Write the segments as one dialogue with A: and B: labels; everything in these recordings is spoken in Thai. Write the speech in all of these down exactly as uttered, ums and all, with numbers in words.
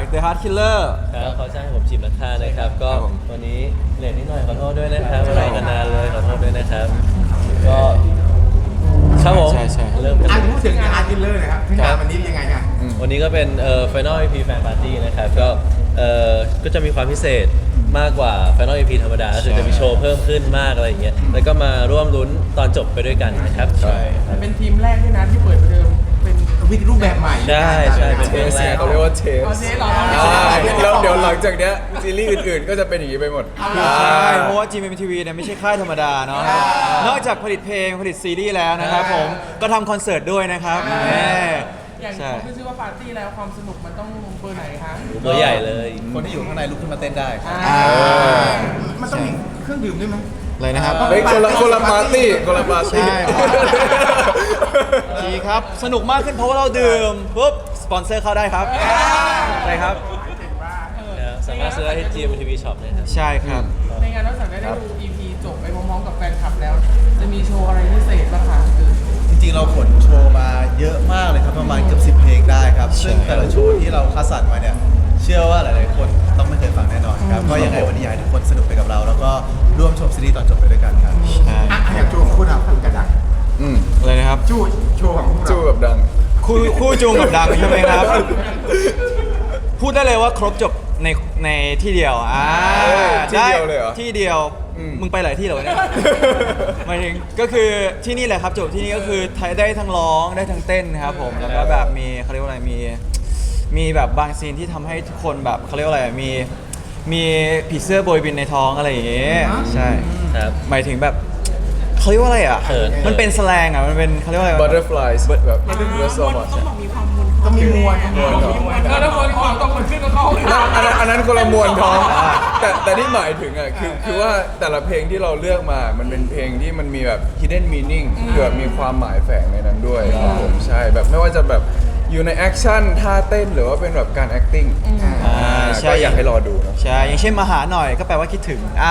A: The Heart Killer
B: ครับเขาจ้างให้ผมจีบนักฆ่านะครับก็วันนี้เลทนิดหน่อยขอโทษด้วยนะครับรอกันนานเลยขอโทษด้วยนะครับก็ครับผม
A: ใช่ใช่
B: เริ่มกัน
C: อ่ะพูดถึงงานกินเลยนะครับงานวันนี้ยังไงเนี่ย
B: วันนี้ก็เป็นเอ่อ Final อี พี Fan Party นะครับก็เอ่อก็จะมีความพิเศษมากกว่า Final อี พี ธรรมดาก็คือจะมีโชว์เพิ่มขึ้นมากอะไรอย่างเงี้ยแล้วก็มาร่วมลุ้นตอนจบไปด้วยกันนะครับใช่
D: เป็นทีมแรกด้วยนะที่เปิดประเดิมเป็น
C: วิธีรูปแบบใหม่
B: ใช่ใช่เป็น
E: เทสเนี่ยเขาเรียกว่าเทส
D: เอาเจ๊เหรอ
E: ใช่แล้วเดี๋ยวหลังจากเนี้ยซีรีส์อื่นๆ ก็จะเป็นอย่างนี้ไปหมด
A: ใช่เพราะว่า จี เอ็ม ที วี เนี่ยไม่ใช่ค่ายธรรมดาเนาะนอกจากผลิตเพลงผลิตซีรีส์แล้วนะครับผมก็ทำคอนเสิร์ตด้วยนะครับแหม
D: อย่าง
A: ใช่
D: เขาขึ้นชื่อว่าปาร์ตี้แล้วความสนุกมันต้องเบอร์ไหนคะ
B: ตัวใหญ่เลย
E: คนที่อยู่ข้างในลุกขึ้นมาเต้นได้
D: อ่า
C: มันต้องมีเครื่องดื่มด้วยไหม
A: เลยนะครับ
E: เฮ้ยคนละคนละปาร์ตี้คนละปาร์ตี้
A: ใช่ ดีครับสนุกมากขึ้นเพราะว่าเราดื่มปุ๊บสปอนเซอร์เข้าได้ครับใช่ครับ
B: ครับสามารถซื้อได้ที่ จี เอ็ม ที วี Shop นะครับ
A: ใช่ครับ
D: ในงานนอกจากได้ดู อี พี จบไปพร้อมๆกับแฟนคลับแล้ว จะมีโชว์อะไรพิเศษบ้างคะคือ
F: จริงๆ เราขนโชว์มาเยอะมากเลยครับ ประมาณเกือบสิบเพลงได้ครับ ซึ่งแต่ละโชว์ที่เราคัดสรรมาเนี่ย เชื่อว่าหลายๆ คนต้องไม่เคยฟังแน่นอนครับก็ยังไงวันนี้อยากให้ทุกคนสนุกไปกับเรา แล้วก็ร่วมชมซีรีส์ตอนจบไปด้วยกันครับ
A: ใช่
C: อ่ะอย่างโชว์ของคุณครับคุณกระดัง
E: อืม
A: เลยนะครับ
C: จู้โชว์ของพวกเรา
E: จู้กับดัง
A: คู่คู่จูงกับดังใช่ไหมครับ พูดได้เลยว่าครบจบในในที่เดียวอ่า
E: เออที่เดียวเลยเหรอ
A: ที่เดียว
E: อืม
A: มึงไปหลายที่เหรอวะเนี่ยหมายถึงก็คือที่นี่แหละครับจบที่นี่ก็คือได้ทั้งร้องได้ทั้งเต้นนะครับผมแล้วก็แบบมีเขาเรียกว่าอะไรมีมีแบบบางซีนที่ทำให้ทุกคนแบบเขาเรียกว่าอะไรมีมีผีเสื้อโบยบินในท้องอะไรอย่างเงี้ยใช่
B: ครับ
A: หมายถึงแบบเขาเรียกว่าอะไรอ่ะ
B: เขิน
A: มันเป็นสแลงอ่ะมันเป็นเขาเรียกว่าอะไรวะ
E: butterflies แบบ there's so much
C: ต้องมีมวล
E: มวลท้อง
D: เออแล้วคนความต้องมันขึ้นกับเขา
E: อันนั้นอันนั้นคนละมวลท้อง แต่แต่ที่หมายถึงอ่ะคือคือว่าแต่ละเพลงที่เราเลือกมามันเป็นเพลงที่มันมีแบบ hidden meaning คือแบบมีความหมายแฝงในนั้นด้วยครับผมใช่แบบไม่ว่าจะแบบอยู่ในแอคชั่นท่าเต้นหรือว่าเป็นแบบการ acting
A: อ่าใช่
E: ก็อยากให้รอดูเนอะ
A: ใช่อย่างเช่นมาหาหน่อยก็แปลว่าคิดถึงอ่า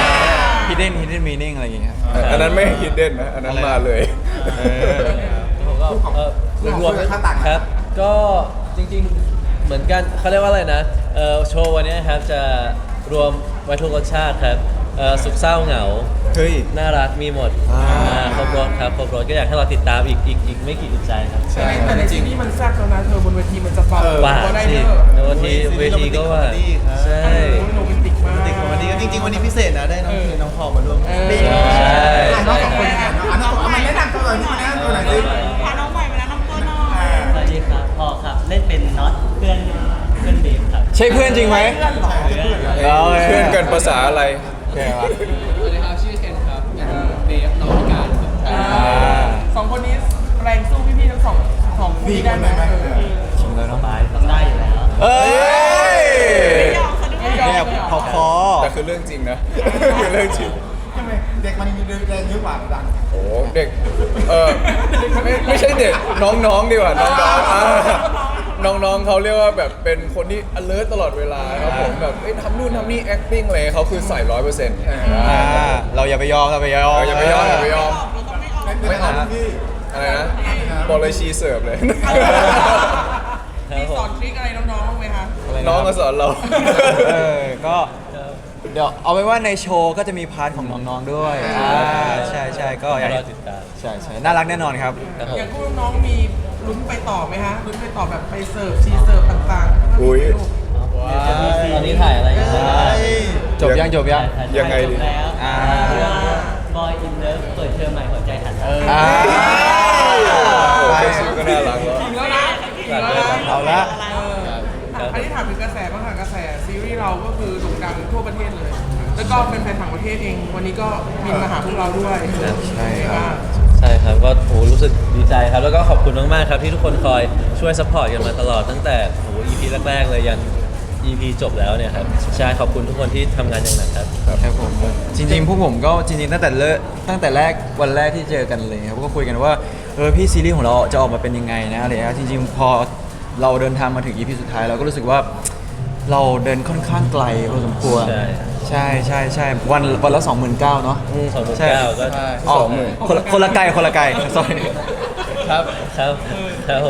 A: hidden hidden meaning อะไรอย่างเงี้ยครับ
E: อันนั้นไม่ hidden นะอันนั้นมาเลย
A: เออ
B: ผมก็เออรวมๆครับ ก็จริงๆเหมือนกันเขาเรียกว่าอะไรนะเออโชว์วันนี้ครับจะรวมไว้ทุกรสชาติครับเออสุขเศร้าเหงา
E: เฮ้ย
B: น่ารักมีหมด
A: อ่า
B: อ่าครบรถครับครบรถก็อยากให้เราติดตามอีกอีกอีกไม่กี่อึดใจครับ
D: แต่ในแต่ในซีรีส์มันแซ่บแล้วนะเธอบนเวทีมันจะเบา
B: ว่า
D: ก็ได้
B: สิ
D: เนอะ
B: ในวันทีเวทีก็ว่า ใช่
D: โรแมนติกมาก
F: ติดของวันนี้จริงๆ วันนี้พิเศษนะ ได้น้องเพลงน้องพอลมาร่วม
D: เออ
B: ใช่
C: อ่ะน้องสองคนอ่ะน้องสองคนเอามาแนะนำตัวหน่อยนี่มาแนะนำตัวหน่อยสิ
G: พาน้องใหม่มาแล้วน้องตัวน้อย
H: สวัสดีครับพ่อครับ เล่นเป็นน็อตเพื่อนเพื่อนเบฟครับ
A: ใช่เพื่อนจริงไหม
D: เพื่อนเหรอ
A: เอาเลย
E: เพื่อนกันภาษาอะไร
A: โอเควะ
D: สวัสดีครับชื่อเคนครับเป็นเบฟน้องพิการครับ
A: อ่า
D: สองคนนี้แรงสู้พี่ๆทั้งสองสองคู่นี้ได้ไหมเออ
A: จริงเลยเนาะ
H: บายต้องได้อยู่แล้ว
A: เอ้ย
G: ไม่ยอมเขาด้วย
A: เนี่ยพอคอ
E: แต่คือเรื่องจริงนะ คือเรื่องจริง
C: ทำไมเด็กมันมีแรงเยอะกว่าดัง
E: โอ้เด็ก เออไม่ไม่ใช่เด็กน้องๆดีกว่าน้องๆอ่าน้องๆเขาเรียกว่าแบบเป็นคนที่ alert ตลอดเวลาครับผมแบบเอ้ยทำนู่นทำนี่ acting อะไรเขาคือใส่ร้อยเปอร์เซ็นต์
A: อ่าเราอย่าไปยอมเราไปยอม
E: อย่าไปยอมอย่าไปยอม
G: เราต้องไม่ออก
C: ไม่เอาพี่
E: อะไรนะบอกเลยชีเสิร์ฟเลย
B: ครับ
D: มี
B: ผ
D: สอ
B: ม
D: นทริคอะไรน้องๆบ้างไหมคะ
A: อะไระ
E: น้องมาสอนเรา
A: เออก็เดี๋ยวเอาไว้ว่าในโชว์ก็จะมีพาร์ทของน้องๆด้วยอ่าใช่ใช่ก็อยาก
B: ร
A: ให้
B: อติดตาม
A: ใช่ใช่น่ารักแน่นอนครับ
B: ครับผม
D: อย่างคู่น้องๆมีลุ้นไปต่อไหมฮะลุ้นไปต่อแบบไปเสิร์ฟชีเสิร์ฟต่างๆ
E: อุ๊ย
B: ตอนนี้ถ่ายอะไรอยู่บ้าง
A: จบยังจบยัง
E: ยังไงดี
H: จบแล้ว
A: อ่า
H: เรื่อง Boy in Love เปิดเทอมใหม่หัวใจถันเออ
A: อ่า
E: โอ้แค่ชื่อก็น่ารักแล้ว
D: จริงแล้วนะจริงแล้วนะ
A: เอาละ
D: เอออันนี้ถามถึงกระแสบ้างค่ะกระแสซีรีส์เราก็คือโด่งดังทั่วประเทศเลย แล้วก็เป็นแฟนต่างประเทศเอง วันนี้ก็บินมาหาพวกเราด้วย
A: ใช่ครับ
B: ใช่ครับก็โหรู้สึกดีใจครับ แล้วก็ขอบคุณมากๆครับที่ทุกคนคอยช่วยซัพพอร์ตกันมาตลอดตั้งแต่โห อี พี แรกๆเลยยัน อี พี จบแล้วเนี่ยครับใช่ขอบคุณทุกคนที่ทำงานอย่างหนักครับ
A: ครับผมจริงๆพวกผมก็จริงๆตั้งแต่เลิกตั้งแต่แรกวันแรกที่เจอกันเลยครับก็คุยกันว่าเออพี่ซีรีส์ของเราจะออกมาเป็นยังไงนะอะไรเงี้ยจริงๆพอเราเดินทางมาถึง อี พี สุดท้ายเราก็รู้สึกว่าเราเดินค่อนข้างไกลพอสมควร
B: ใช่
A: ใช่ใช่ใช่วันวันละสองหมื่นเก้าเนาะ
B: อืมสองหมื่น
A: ใช่
B: เก้าก็
A: อ๋อคนละคนละไกลคนละไกล sorry
E: ครับ
B: ครับครับผม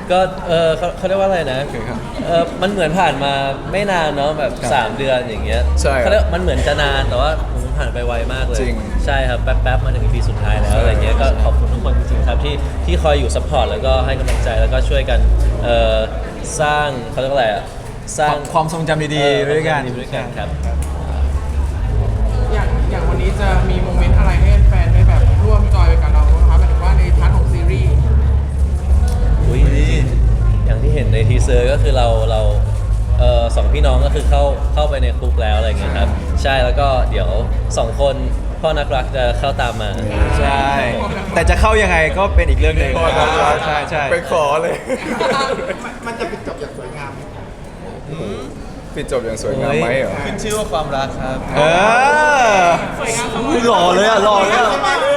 B: ก็เออเขาเขาเรียกว่าอะไรนะ
E: โอเคครับ
B: เออมันเหมือนผ่านมาไม่นานเนาะแบบ
E: ครับ
B: สามเดือนอย่างเงี้ย
E: ใช่ครับ
B: เขาเรียกมันเหมือนจะนานแต่ว่าผมผ่านไปไวมากเลย
E: จริง
B: ใช่ครับแป๊บๆมาถึงปีสุดท้ายแล้ว
E: ใช่
B: อะไรเงี้ยก็ขอบคุณทุกคนจริงๆครับที่ที่คอยอยู่ซัพพอร์ตแล้วก็ให้กำลังใจแล้วก็ช่วยกันเอ่อสร้างเขาเรียกว่าอะไรอะสร้าง
A: ความทรงจำดีๆไปด้วยกัน
B: เออความทรงจำดีๆไปด้วยกันครับ
D: อย่างอย่างวันนี้จะมีโมเมนต์อะไรให้แฟนได้แบบร่วมจอยไปกับเราบ้างคะหมายถึงว่าในพาร์ทของซีรีส์
B: อุ้ยอย่างที่เห็นในทีเซอร์ก็คือเราเราเอ่อสองพี่น้องก็คือเข้าเข้าไปในคุกแล้วอะไรเงี้ยครับใช่แล้วก็เดี๋ยวสองคนพ่อนักรักจะเข้าตามมา
A: ใช่ แต่จะเข้ายังไงก็เป็นอีกเรื่องหนึ่ง
E: พ่อนักรัก
A: ใช่ใช่
E: ไปขอเลย
C: มันจะปิดจบอย่างสวยงาม
E: ปิดจบอย่างสวยงามไหมเหรอ
F: ขึ้นชื่อว่าความรักครับ
A: เอออุ๊ยหล่อเลยอ่ะหล่อเลยอ่ะ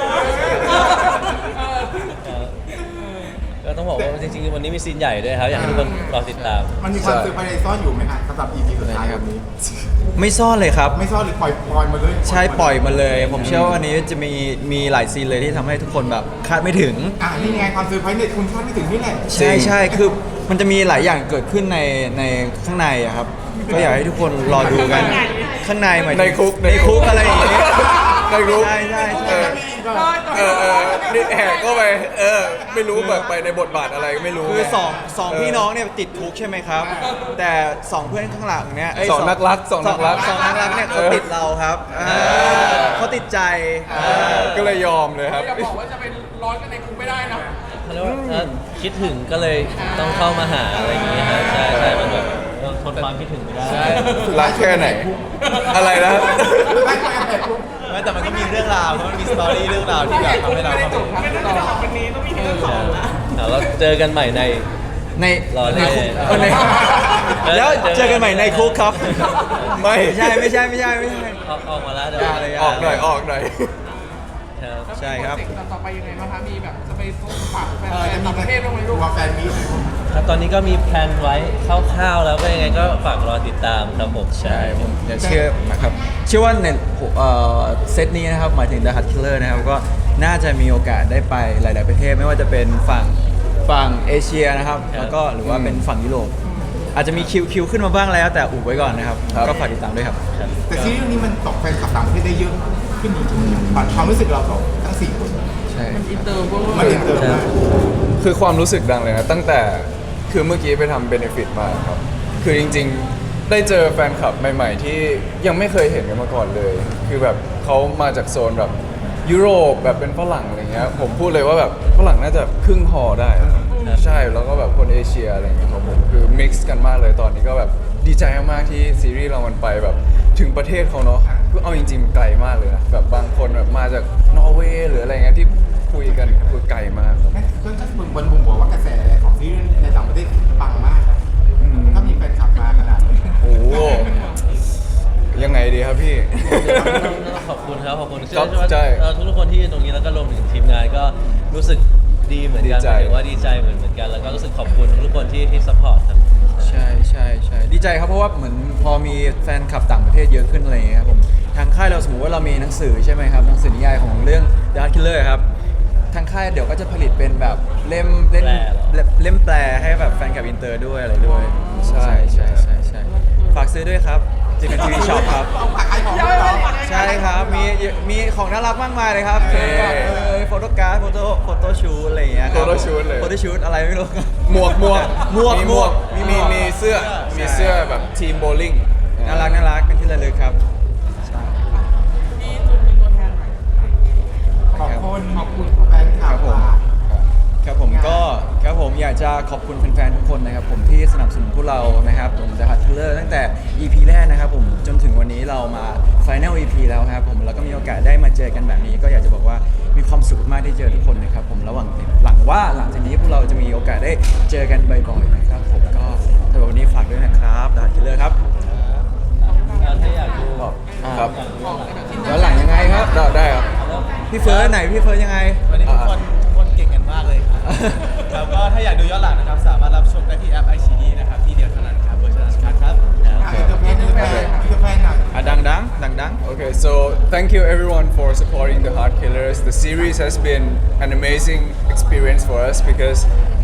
B: ก็ต้องบอกว่าจริงๆวันนี้มีซีนใหญ่ด้วยครับอยากให้ทุกคนรอติดตาม
C: มันมีความเซอร์ไพรส์ซ่อนอยู่ไหมฮะสำหรับ อี พี สุดท้ายแบบนี้
A: ไม่ซ่อนเลยครับ
C: ไม่ซ่อนหรือปล่อยปล่อยมาเลย
A: ใช่ปล่อยมาเลย ผมเชื่อว่าวันนี้จะมีมีหลายซีนเลยที่ทำให้ทุกคนแบบคาดไม่ถึง
C: อ่านี่ไงความเซอร์ไพรส์เนี่ยคุณคาดไม่ถึงนี่แหละ
A: ใช่ใช่คือมันจะมีหลายอย่างเกิดขึ้นในในข้างในอะครับ ก็อยากให้ทุกคนรอดูกันข้างในหมายถึง
E: ในคุก
A: ในคุกอะไรอย่างเงี้ย
E: ในคุก
A: ใช่ใช่
E: เอ
A: ใช่
E: อเออเออนี่แหกก็ไปเออไม่รู้แบบไปในบทบาทอะไรก็ไม่รู้
A: คือสองสอง
E: เ
A: พี่น้องเนี่ยติดคุกใช่ไหมครับ แต่สองเพื่อนข้างหลังเนี่ยเย
E: สองนักรักสองนักรัก
A: สองนักรักเนี่ยเขา
E: เออ
A: ติดเราครับอ่าเขาติดใจ
E: ก็เลยยอมเลยครับ
D: อย่าบอกว่าจะเป็นร้อนกันในคุกไม่ได้นะ
B: เขาเรียกว่าเอ่อคิดถึงก็เลยต้องเข้ามาหาอะไรอย่างเงี้ยครับใช่ใช่มันแบบเออทนความคิดถึงไม่ได้
E: รักแค่ไหน อะไรนะ
C: ไม่ใช่แต่คุก
F: ไม่แต่มันก็มีเรื่องราวเพราะมันมีสตอรี่เรื่องราวที่แบบทำให้เรา
D: ไม่ได้
F: เข้า
D: จ
F: ไป
D: บครับต่อวันนี้ต้องมีที่สองนะ
B: เอาแล้วเจอกันใหม่ใน
A: ใน
B: รอเลย
A: ในคุกเออในแล้วเจอกันใหม่ในคุกครับ
E: ไม่
A: ไม่ใช่ไม่ใช่ไม่ใช่ไม่ใช่
B: ออกออกมาแล้วเดี๋ยว
A: อย่าเลย
E: ออกหน่อยออกหน่อย
B: ครับ
A: ใช่ครับ
D: แล้วมีโปเจกต์ต่อไปยังไงบ้างคะมีแบบจะไปพบปะแฟ
C: เออจะ
D: นๆ
C: มี
D: ต่างประเทศบ้างไหมลูก
C: ตัวแฟนมี
B: ครับตอนนี้ก็มีแพลนไว้คร่าวๆแล้วก็ยังไงก็ฝากรอติดตามครับผมใช่
A: ผมจะเชื่อนะครับเชื่อว่าในเอ่อเซตนี้นะครับหมายถึง The Hut Killer นะครับก็น่าจะมีโอกาสได้ไปหลาย ๆ ประเทศไม่ว่าจะเป็นฝั่งฝั่งเอเชียนะครับ แล้วก็หรือว่าเป็นฝั่งยุโรปอาจจะมีคิวคิวขึ้นมาบ้างแล้วแต่อุบไว้ก่อนนะครับ
E: ครับ
A: ก็ฝากติดตามด้วยครับ
C: แต่ซีรีส์เรื่องนี้มันตกแฟนคลับต่างประเทศได้เยอะขึ้นจริงๆผ่านความรู้สึกเราสองทั้งสี่คน
A: ใช่
D: อินเตอร์เวอร์
C: มันอินเตอร์มาก
E: คือความรู้สึกดังเลยนะ ตั้งแต่คือเมื่อกี้ไปทำเบนฟิตมาครับ คือจริงๆ ได้เจอแฟนคลับใหม่ๆ ที่ยังไม่เคยเห็นกันมาก่อนเลย คือแบบเขามาจากโซนแบบยุโรปแบบเป็นฝรั่งอะไรเงี้ยผมพูดเลยว่าแบบฝรั่งน่าจะครึ่งฮอได้ครับใช่แล้วก็แบบคนเอเชียอะไรเงี้ยครับผมคือมิกซ์กันมากเลยตอนนี้ก็แบบดีใจมากๆที่ซีรีส์เรามันไปแบบถึงประเทศเขาเนาะคือเอาจริงๆไกลมากเลยนะแบบบางคนแบบมาจากนอร์เวย์หรืออะไรเงี้ยที่คุยกันคือไกลมากครับ
C: แม่เพื่อนก็บนบนมุมบอกว่ากระแสของซีรีส์ในต่างประเทศปังมากครับ
E: อืม
C: ถ้ามีแฟนคลับมาขนาดนี้
E: โอ้โหยังไงดีครับพี่
B: ขอบคุณครับขอบคุณ
E: ครับ
B: เชื่อว่า
E: ใช่
B: เอ่อทุกๆคนที่อยู่ตรงนี้แล้วก็รวมถึงทีมงานก็รู้สึกดีเหมือนกัน
E: ดีใจ
B: หมายถึงว่าดีใจเหมือนเหมือนกัน แล้วก็รู้สึกขอบคุณทุกๆคนที่ที่ซัพพอร์ตครับ
A: ใช่ใช่ใช่ดีใจครับเพราะว่าเหมือนพอมีแฟนคลับต่างประเทศเยอะขึ้นอะไรอย่างเงี้ยครับผมทางค่ายเราสมมติว่าเรามีหนังสือใช่ไหมครับหนังสือนิยายของเรื่อง The Hut Killer ครับทางค่ายเดี๋ยวก็จะผลิตเป็นแบบเล่มเล่ม
B: แปลเหรอ
A: เล่มเล่มแปลให้แบบแฟนคลับอินเตอร์ด้วยอะไรด้วย
E: ใช่
A: ใช่ใช่ใช่ฝากซื้อด้วยครับจิกันทีวีช็อปครับ
C: เอาผักไอของเรา
A: ใช่ครับมีมีของน่ารักมากมายเลยครับ
E: เท่
A: เออโฟโต้การ์ดโฟโต้โฟโต้ชูตอะไรอย่างเงี้ยครับ
E: โฟโต้ชูตเลย
A: โฟโต้ชูตอะไรไม่รู้
E: หมวกหมวก
A: หมวก
E: มีหมวก
A: หมวก
E: มีมีมีเสื้อมีเสื้อแบบทีมโบลิ่ง
A: น่ารักน่ารักเป็นที่ระลึกครับ
D: มีจุดเป็นตัวแทนหน่อย
C: ขอบคุณขอบคุณแฟนคลับ
A: ครับผม ครับผมก็ครับผมอยากจะขอบคุณแฟนๆทุกคนนะครับผมที่สนับสนุนพวกเรานะครับผม The Hut Killer ตั้งแต่ อี พี แรกนะครับผมจนถึงวันนี้เรามา Final อี พี แล้วครับผมแล้วก็มีโอกาสได้มาเจอกันแบบนี้ ก็อยากจะบอกว่ามีความสุขมากที่เจอทุกคนนะครับผมระหว่างหลังว่าหลังจากนี้พวกเราจะมีโอกาสได้เจอกันบ่อยๆนะครับผมก็สำหรับวันนี้ฝากด้วยนะครับ The Hut Killer ครับ
B: ถ้าอยากดู
E: ครับ
A: ย้อนหลังยังไงครับ
E: ได้ได้ครับ
A: พี่เฟิร์สไหนพี่เฟิร์สยังไง
F: วันนี้ทุกคนทุกคนเก่งกันมากเลยครับแล้วก็ถ้าอยากดูย้อนหลังนะครับ สามารถรับชมได้ที่แอป ไอ ซี ดี นะครับ ที่เดียวเท่านั้นครับเวอร์ชันอันคัทครับ
C: อินเตอร์แฟนอินเตอร์แฟนอินเตอร์แฟนหน่อย
A: อ่ะดังดังดังดัง
E: Okay, so thank you everyone for supporting the Hut Killers. The series has been an amazing experience for us because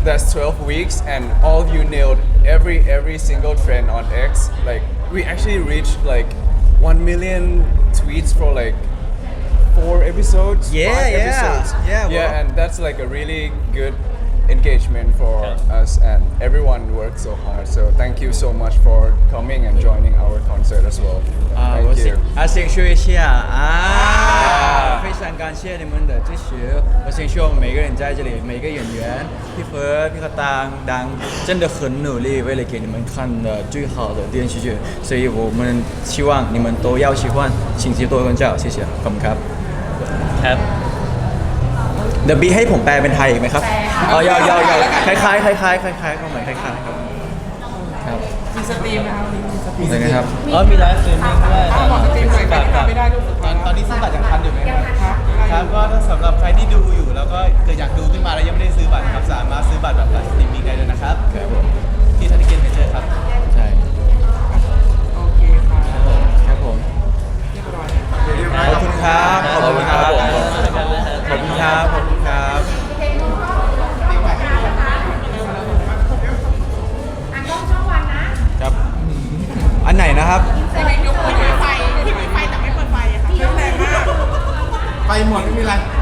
E: that's twelve weeks, and all of you nailed every every single trend on X. Like we actually reached like one million tweets for like four episodes.
A: Yeah,
E: five
A: yeah.
E: episodes.
A: Yeah, bro.
E: yeah, and that's like a really good engagement for us, and everyone worked so hard. So thank you so much for coming and joining our concert as well.
A: 啊，我
E: Thank
A: 先
E: you.
A: 啊，先说一下啊，非常感谢你们的支持。我先说我们每个人在这里，每个演员，พี่เฟิร์สพี่กระตังดัง真的很努力，为了给你们看的最好的电视剧，所以我们希望你们都要喜欢，请多多关照，谢谢，ขอบคุณครับ
B: ครับ
A: เดี๋ยวบีให้ผมแปลเป็นไทยอีกไหมครับอ๋อยาวยาวยาวคล้ายคล้ายคล้ายคล้ายคล้ายคล้ายๆก็เหมือนคล้ายคล้ายๆครับครับ
D: มีสตรีมนะครับวันนี้มีสตรีม
A: ยังไงครับ
B: อ๋อมีไลฟ์สตรีมมิ่งด้วย
D: ถ้าบอกสตรีมหน่อยใครที่ทำไม่ได้ด้วยสุด
F: ต
D: ท้า
F: อย นตอนนี้ซื้อบัตรยังทันอยู่ไหมครับ
D: ครับ
F: ครับก็ถ้าสำหรับใครที่ดูอยู่แล้วก็เกิดอยากดูขึ้นมาแล้วยังไม่ได้ซื้อบัตรครับสามารถซื้อบัตรแบบไลฟ์สตรีมมิ่งได้เลยนะครับ
A: ครับผม
F: ที่ทันติเกนเมเจอร์ครับ
A: ใช่
D: โอเคค่ะ
A: ครับผม
D: เรียบร้อย
A: ขอบคุณครับขอบคุณครับ
B: ผม
A: ขอบคุณครับขอบคุณครับ ครับ อันไหนนะครับ
G: จะให้ยกมือถือไฟที่มีไฟแต่ไม่เปิดไฟอะค่ะ
D: เรื่องแรงมาก
C: ไปหมดไม่มีไร